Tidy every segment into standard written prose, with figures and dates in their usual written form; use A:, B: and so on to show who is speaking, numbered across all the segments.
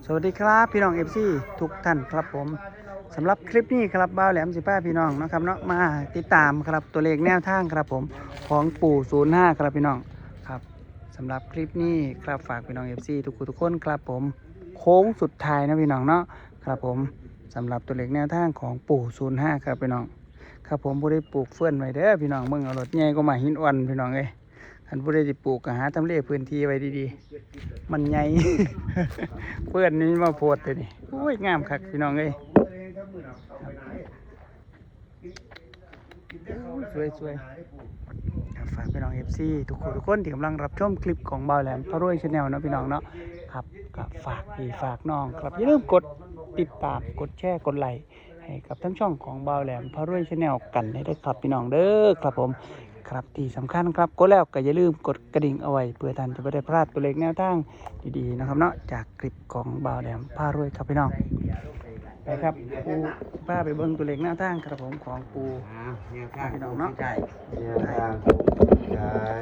A: สวัสดีครับพี่น้องเอฟซีทุกท่านครับผมสำหรับคลิปนี้ครับบ่าวแหลม15พี่น้องนะครับเนาะมาติดตามครับตัวเลขแนวทางครับผมของปู่05ครับพี่น้องครับสำหรับคลิปนี้ครับฝากพี่น้องเอฟซีทุกคนครับผมโค้งสุดท้ายนะพี่น้องเนาะครับผมสำหรับตัวเลขแนวทางของปู่05ครับพี่น้องครับผมผู้ได้ปลูกเฟื่อนไว้เด้อพี่น้องเบิ่งเอารถใหญ่ก็มาหินอ่อนพี่น้องเอ้ยท่านผู้ใดจะปลูกก็หาทำเลพื้นที่ไว้ดีๆมันใหญ่ เพื่อนนี้มาโพดเลยนี่โอ้ยงามคักพี่น้องเอ้ยสวยครับฝากพี่น้องเอฟซีทุกคนที่กำลังรับชมคลิปของบ่าวแหลมพระรวยชาแนลนะพี่น้องเนาะครับก็ฝากพี่ฝากน้องครับอย่าลืมกดติดตามกดแชร์กดไลค์ให้กับทั้งช่องของบ่าวแหลมพระรวยชาแนลกันได้ด้วยครับพี่น้องเด้อครับผมครับที่สำคัญครับกดแล้วก็อย่าลืมกดกระดิ่งเอาไว้เพื่อท่านจะไม่ได้พลาดตัวเลขแนวทางดีๆนะครับเนาะจากคลิปของบ่าวแหลมพารวยครับพี่น้องไปครับปูป้าไปเบิ้งตัวเลขแนวทางครับผมของปู
B: แนวทาง
A: พี่น้องเนาะ
B: ใช่
C: แนวทางผมใช่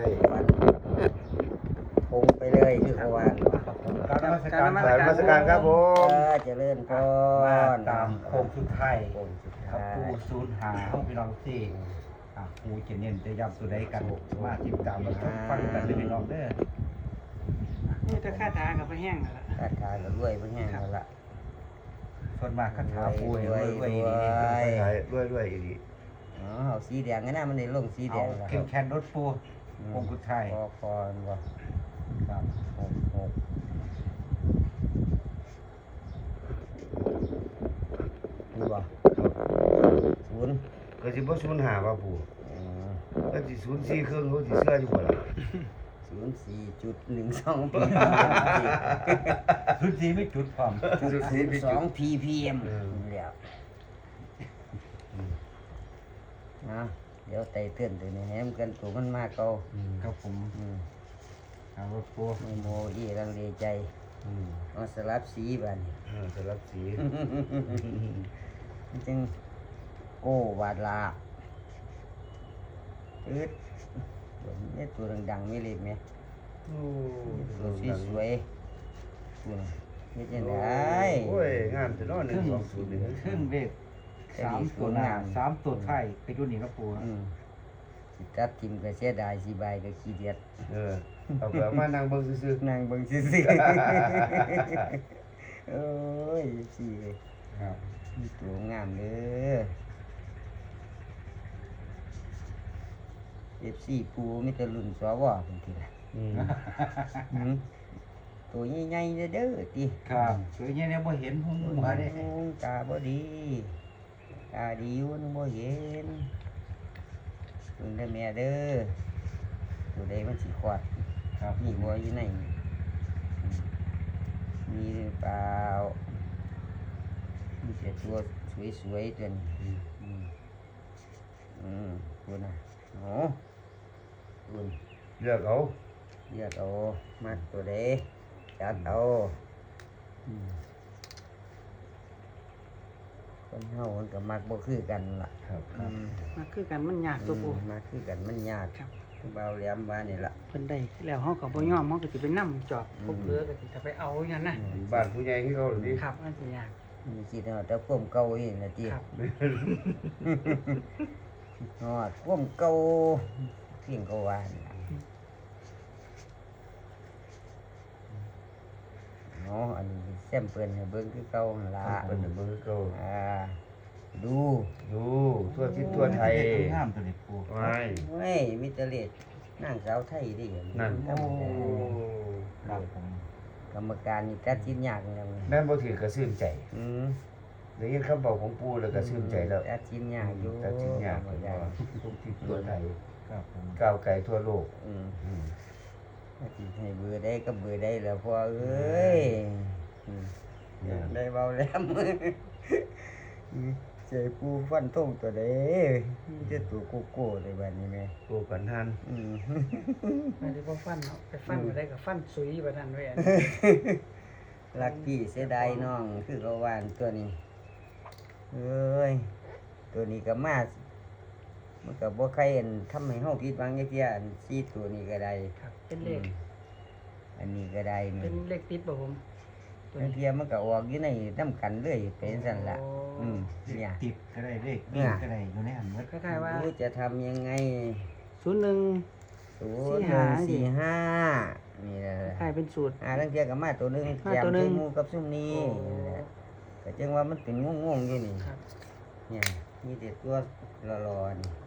B: คงไปเลยคือเขาว่า
C: การนมัสการครับผม
B: เจริญพ
C: มาร ตามโค้งสุดท้าย
B: โค้งสุด
C: ครั
B: ท้า
C: บ
B: ย
C: ปูศูนย์หาห้องพี่น้องที่ปูจะเน้นจะย้ำตัวใดกันมาติดตามมาชมฟังกันเลยพี่น้องเด้อ
A: นี่ถ้าค่าตากับไปแห้งแล้วล่ะ
B: คาถาก็รวยเพิ่นแห้งแล้วล่ะ
C: ส่วนมากคาถาปูเนี่ยรวยดี
B: รวย
C: อีดี
B: อ๋อเอาสีแดงงั้นนะมันได้ลงสีแด
C: เอา
B: งแล้ว
C: เข้มแข็งรถปูโค้งสุดท้าย
B: พอบ่
C: ครับ
B: 6นี่บ่ศูนย์
D: ก็สิบ่ศูนย์หาว่าปู่
B: อืม
D: ก็สิศูนย์สี่เครื่องเขาสิเชื่ออยู่บ่ล่ะ
B: 04.12
C: พื้นที่ไม่จุดความ
B: 2 ppm นี่แหล้วนะเดี๋ยวไต่เตือนตัวนี้ให้มันกันตัวมันมากเก่า
C: ครับผมเอารถปู
B: ไม่โมอีรังเลใจเอาสลับสีบัดน
D: สำหรับสี
B: มันจึงโก้วาดลาตืดนี่ตัวดังๆไม่เล็กไหม
D: โอ้
B: ตัวสวยๆตัวนี่จะได้
D: โอ้ยงามแต่เนาะ1 2 0 1
C: ครึ่งเวท3 ตัวหน้า3 ตัวท้ายไปอยู่นี่ครับปู
B: สิตัดทิมก็เสียดายสิบายก็ขี้เดียด
D: เอาเผื่อมานั่งเบิ่งซื่อ
B: นั่งเบิ่งซื่อๆโอ้ยสิ
C: ครับ
B: มีตัวงามเด้อ FC ปูมีแต่รุ่นสวเพิ่นทีละ ตัวใหญ่ๆเด้อติ
C: ครับสวยเนี่ยบ่เห็นหุ่งหัวเด้
B: ตาบ่ดีตาดีอยู่นึงบ่เห็นเพิ่นได้อแม่เด้อตัวใดมันสิคลอด
C: ครับ
B: มีหัวอยู่ในนี่มีหรือเปล่ามีแต่ตัวสวยๆตัวนี้คุณน่ะโอ้คุณ
D: ๆเลือกเอา
B: เลือกเอามักตัวใดจัดเอาคนเฮามันก็มักบ่คือกันล่ะ
D: ครับ
A: มาคือกันมันยากตัวปู
B: มักคือกันมันยาก
A: ครับ
B: เบาแหลมว่านี่ล่ะ
A: เพิ่นได้แล้วเฮาก็บ่ยอมเฮาก็สิไปนำจอบพวกเรือก็สิจะไปเอาอย่างนั้นนะ
D: บ้านผู้ใหญ่ที่เขาดิ
A: ครับมันสิยาก
B: มีคิดฮอดแต่ความเก่าอีกนะติ
A: ครับ
B: ฮอดความเก่าเพียงก็ว่านี่ล่ะเนาะอันนี้แซมเปิ้นให้เบิ่งคือเก่าหั่นล่ะ
D: เป็นเบิ่งเขา
B: ดู
D: ดูทั่วทิศทั่วไทย
C: งามตัวนี้ปู
D: ไว้
B: เฮ้ยมีแต่เลดนางสาวไทยดิ
D: นั่น
B: ธรรมดา
C: ครับผม
B: กรรมการนี่ตัดสินยากจังเลย
D: แม่นบ่ถือก็ชื่นใจ
B: อืม
D: ได้ยินคำบอกของปู่แล้วก็ชื่นใจแล้ว
B: ตัดสินยากอยู่
D: ตัดสินยาก
B: ธรรมดา
D: ทุกทิศทั่วไทย
C: ครับผม
D: ก้าวไกลทั่วโลก
B: อืม
D: อืม
B: สิให้เบื่อได้ก็เบื่อได้แล้วพ่อเอ้ยอืมได้เบาแล้วใจปูฟันทงตัวเด้มีแต่ตัวโกโก้เลยบัดนี้แม่
D: โกกันทัน
B: อืม
A: อันนี้บ่ฟันเนาะไปฟันบ่ได้ก็ฟันสุยบ่ทันเว้ย
B: รักพี่เสียดายน้องคือเขาวานตัวนี้เอ้ยตัวนี้ก็มามันก็บ่ใครอันทำให้เฮาผิดหวังจักเที่ยอัน4ตัวนี้ก็ได้
A: ครับเป็นเลข
B: อันนี้ก็ได้
A: เป็นเลขติดบ่ผมตัว
B: บาง
A: นี้
B: เทียมันก็ออกอยู่ในน้ำกันเลยเป็นสั่นละ
A: โอ้
B: เนี่ย
C: ติดก็ได้เลขวิ่งก็ได้อยู่ในอันเมื่อ
A: คล้ายๆว่า
B: รู้จะทำยังไง
A: 01
B: 0 1 4 5นี่แหละ
A: คล้ายเป็นสูตร
B: ตั้งเทียกับมาตัวหนึง
A: มา
B: แยม
A: ตัวหนึ่
B: ใส่
A: ง
B: หมูกับซุ่มนี้
A: โอ้
B: นี่แหละก็จึงว่ามันเป็นงงๆอยู่นี่
A: ครับ
B: เนี่ยมีแต่ตัวรอๆนี่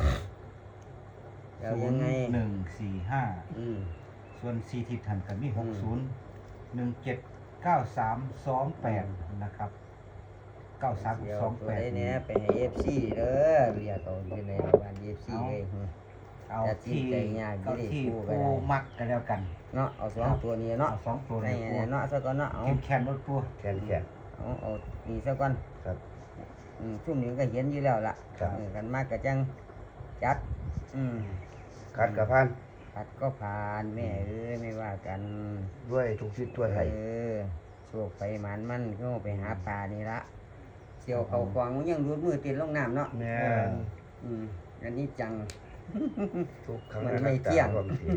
B: แล้วยังไง
C: 145
B: อืม
C: ส่วน4ทิศทันกันมี
B: อืม
C: 60 17 93 28นะครับ93
B: เดี๋ยวตัวได้เนี้ย
C: 28
B: ไปให้ FC เด้อเรียกเอาอยู่ในบ้าน FC เลย
C: เอา
B: จะจิ้ม
C: ที่
B: ใจยาก
C: เอา
B: อยู่ดิ
C: ที่
B: คู่ก็
C: ปู
B: ได้
C: มักกันแล้วกัน
B: เนาะเอาสองตัวนี้เนาะ
C: เอา2ตัว
B: ใน
C: นี้
B: เนี่ยเนาะซะก่อนเนาะเอา
C: เข้มแข็งรถปู
D: แขนแขน
B: เอานี่ซะก่อน
D: ครับ
B: ซุ่มนี้ก็เห็นอยู่แล้วล่ะ
D: ครับ
B: กันมากก็จังจัด
D: คัดกับพัน
B: ผัดก็ผ่านแม่เอ้ยไม่ว่ากัน
D: ด้วยทุกทิศทั่วไทย
B: โชคไปหมันมันก็ไปหาปลานี่ละเสี่ยวเขาควางมันยังรูดมือติดลงน้ำเนาะ
D: แม่น
B: อันนี้จัง
D: ทุกครั้ง
B: มันไม่เที่ยง
D: ความจริง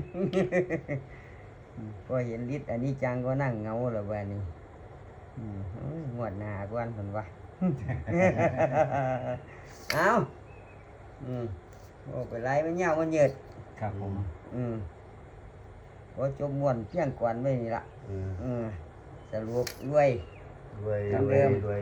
B: พอเห็นฤทธิ์อันนี้จังก็นั่งเงาแล้ววันนี้โอ้ยงวดหน้ากวนคนวะ เอาโอ้ไปไล่มันเงามันเหยิด
C: ครับผม
B: พอจมม่วนเพียงกวนไว้นี่ละ
D: อืม
B: สรุปรวย
D: ด้วย
B: ครับ
D: ด้วยด้วย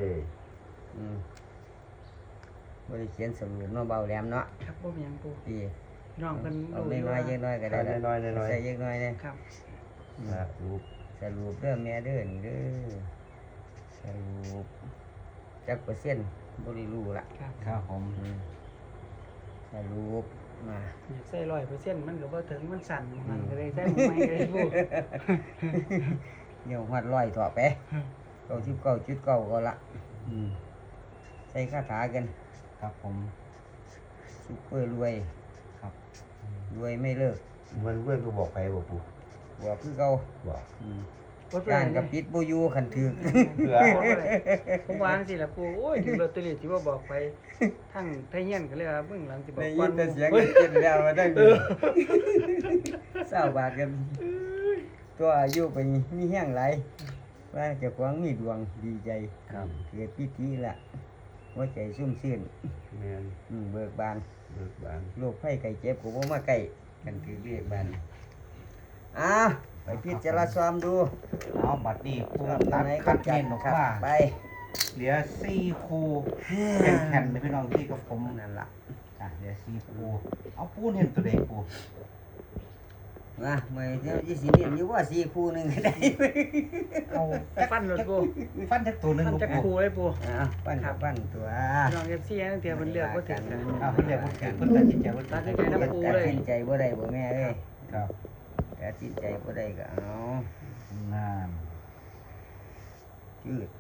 B: บริเขียนสรุปเนาะเบาแหลมเนาะ
A: ครับบ่มีหยังปู
B: ดี
A: น้องเพิ่น
B: เอา
A: รู้อยู่
B: น้อย
A: ว่า
B: ๆเยอะน้อยๆก็ได้ละ
D: น้อยๆน้อยๆ
B: ใส่เยอะน้อยเนี่ย
A: ครับ
D: นะลูก
B: สรุปเด้อแม่เด้อนี่เด้อสรุปจักเปอร์เซ็นต์บ่ได้รู้ละ
A: ครับ
C: ครับผม
B: สรุปมา
A: อยากใส่100%มันก็บ่ถึงมันสั่นมันก็เลยใส่บ่ไหม่ก็เลยปู
B: เดี๋ยวหัดร้อยถอไป99.9ก็ละใส่คาถากัน
C: ครับผม
B: ซุปเปอร์รวย
C: ครับ
B: รวยไม่เลิก
D: มันเพื่อนก็บอกไปบอกปู่
B: บอกคือเก่า
D: บอก
A: บ่เป็น
B: ย่า
A: ไร
B: นกับปิดบ่อยู่คันถึก
D: เผื่อ
A: บ่เป็นไรผมวาจังซี่ล่ะปูโอ้ยถึงลอตเตอรี่ที่ว่าบอกไปทั้งไทเฮียนก็เลยว่าเบิ่งหลังสิบอก
B: ได้
A: ก่
B: ยิ
A: อน
B: นแต่
A: หมู่
B: เสียง
A: เฮ้ย
B: เกินแล้วมาได้ดีเศร้าบาทกันตัวอายุไปมีแห้งไหลายว่าเจ้าของมีดวงดีใจ
C: ครับ
B: เกิดพิธีละหัวใจซุ่มซื่น
D: แม่น
B: เบิกบาน
D: เบิกบาน
B: โรคไข้ไข้เจ็บก็บ่มาใกล้กันคือเรียกบานไปพิจารณาดู
C: เอาบัตรนี้ปู
B: ชอบ
C: ตัด
B: ไหน
C: คั
B: ก็
C: ด
B: จั
C: เน้
B: ด
C: นออก
B: ครับ
C: มา
B: ไป
C: เหลือ4คู่แข็งๆเลยพี่น้องที่กับผม
B: นั่นล่ะ
C: เหลือ4คู่เอาปูเห็นตัวใดปู
B: มาเมื่อเดี๋ยวยี่สิเรียนอยู่ว่า4คู่หนึงก็ได้
C: เอา
A: ฟันรถปู
C: ฟันจักตัวหนึง
A: ฟัน
C: ลูก
A: จัก
C: ปู
A: คูเลยปู
B: ปั้นกับปั้นตัว
A: พี่น้อง FC นั่นเทียเพิ่นเลือกบ่ถึงนะ
C: เอาเพิ่นเรียกว่าเพิ่นตัดสินใจว่า
A: ตัดสินใจน้ำปู
B: ตัดสินใจบ่ได้บ่แม่เอ้ย
C: ครับ
B: ตัดสินใจบ่ได้ก็เอา
C: งาน
B: จืด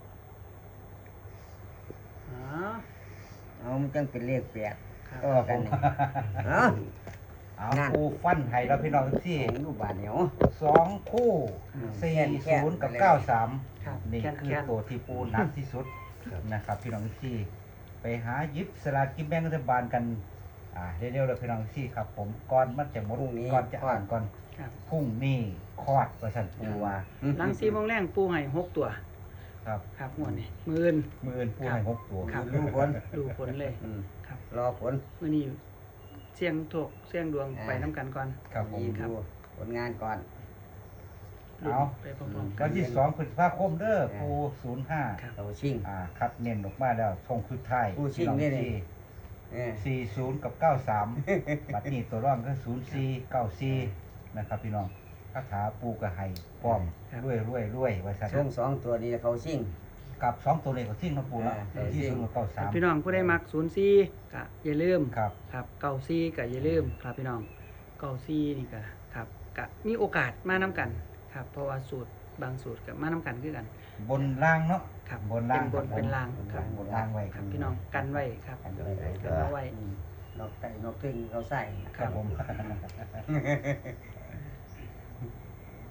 A: อ๋อ
B: เอามันจังเป็นเลขแปด
A: ครับ
B: ต่อกันนี่เอา
C: เอา
B: นั่น
C: ปูฟันให้แล้วพี่น้องที่
B: ของลูกบาทเหนียว
C: 2คู่
B: แค่น
C: 40กับ
B: ไปเลย
C: 93
A: ครับ
C: นี่
A: แค่น
C: คือ
A: แค่น
C: ตัวที่ปูหนักที่สุดนะครับพี่น้องที่ไปหาหยิบสลากกินแบ่งรัฐบาลกันเร็วๆเลยพี่น้องที่ครับผมก่อนมันจะหมด
B: พรุ่งนี้
C: ก่อนจะอ่านก่อน
A: ครับ
C: พรุ่งนี้คลอดประชันปูว่า
A: หลัง4โมงแรงปูให้6ตัว
C: ครับ
A: ครับงวดนี้มื้ออื่น
C: มืออื่นปูให้6ตัว
A: ครับ
B: รู้ผล
A: ดูผลเลย ครับ
B: รอผล
A: มื้อนี้เสี่ยงโชคเสี่ยงดวงไปนํกันก่อน
C: ครับผม
B: ดูผลงานก่อน
C: เอา
A: ไปพร้อมๆกั
C: วัน นที่2พฤษภาคมเด้อปู 05
A: ครับ
B: เราชิง
C: คัดเน้นออกมาแล้วทงคือไทาย
B: ปูชิ่งนี่นี่
C: 40กับ93 บัดนี้ตัวร่องก็0494นะครับพี่น้องคาถาปูกระไห้พร้อมรวยไว้ซะ
B: ช่วงสองตัวนี้เขาชิง
C: กับ2ตัวนี้ก็ทิ้งน้ำปูแล้ว
B: ชิ่
C: ที่
B: ง
C: 0กับ93
A: พี่น้องผู้ได้มัก04ก็อย่าลืม
C: ครับ
A: ครับ94ก็อย่าลืมครับพี่น้อง94นี่ก็ครับก็มีโอกาสมานํกันครับเพราะว่าสูตรบางสูตรก็มานํกันคือกัน
C: บนล่างเนาะ
A: ครับ
C: บนล่าง
A: เป็นบนเป็นล่างครับ
C: บนล่างไว้
A: ครับพี่น้องกันไว้ครับ
B: กันไว้
A: กันเอาไว้
B: นกไก่นกตึงเขาใส่
C: ครับผม
B: ท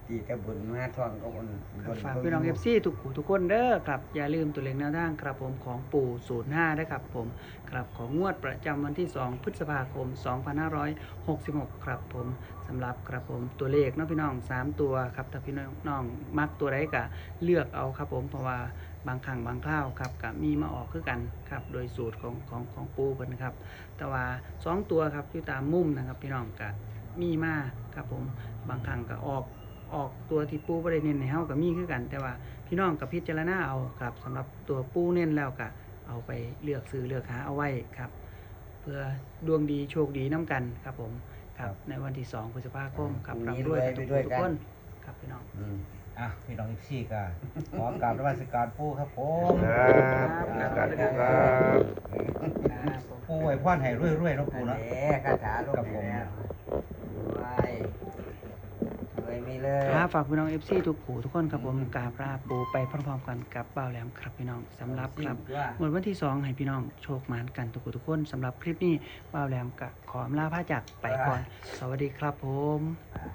B: ตีแต่บุญมาท่องก็บุญ
A: ครับฝากพี่น้อง FC ทุกผู้ทุกคนเด้อครับอย่าลืมตัวเลขแนวทางครับผมของปู่05ด้วยครับผมครับของงวดประจำวันที่ 2 พฤษภาคม 2566 ครับผมสำหรับครับผมตัวเลขเนาะพี่น้อง 3 ตัวครับถ้าพี่น้องมักตัวใดก็เลือกเอาครับผมเพราะว่าบางครั้งบางคราวครับก็มีมาออกคือกันครับโดยสูตรของปู่เพิ่นครับแต่ว่า2ตัวครับอยู่ตามมุมนะครับพี่น้องก็มีมาครับผมบางครั้งก็ออกตัวที่ปูบ่ได้เน้นให้เฮาก็มีคือกัน แต่ว่าพี่น้องก็พิจารณาเอาครับสำหรับตัวปูเน้นแล้วก็เอาไปเลือกซื้อเลือกหาเอาไว้ครับ เพื่อดวงดีโชคดีน้ำกันครับผมครับในวันที่ 2 พฤษภาคมครับร่ำรวยกันทุกคนครับพี่น้อง
C: อ่ะพี่น้องอีกซี่ก็ขอกราบนมัสการปู่ครับผม
D: ครับการดูครับ
C: ปู่ไว้พรให้รวยๆเนาะ
B: อั
C: ปู่
B: น
C: เนาะ
B: นี้คาถาลง
C: ครับผม
B: แล้วรวยมีเลย
A: ครับฝากพี่น้อง FC ทุกผู้ทุกคนครับผมกราบลาปูไปพร้อมๆกันกับบ่าวแหลมครับพี่น้องสำหรับครับหมดวันที่ 2 ให้พี่น้องโชคหมานกันทุกผู้ทุกคนสำหรับคลิปนี้บ่าวแหลมก็ขออำลาพระจากไปก่อน สวัสดีครับผม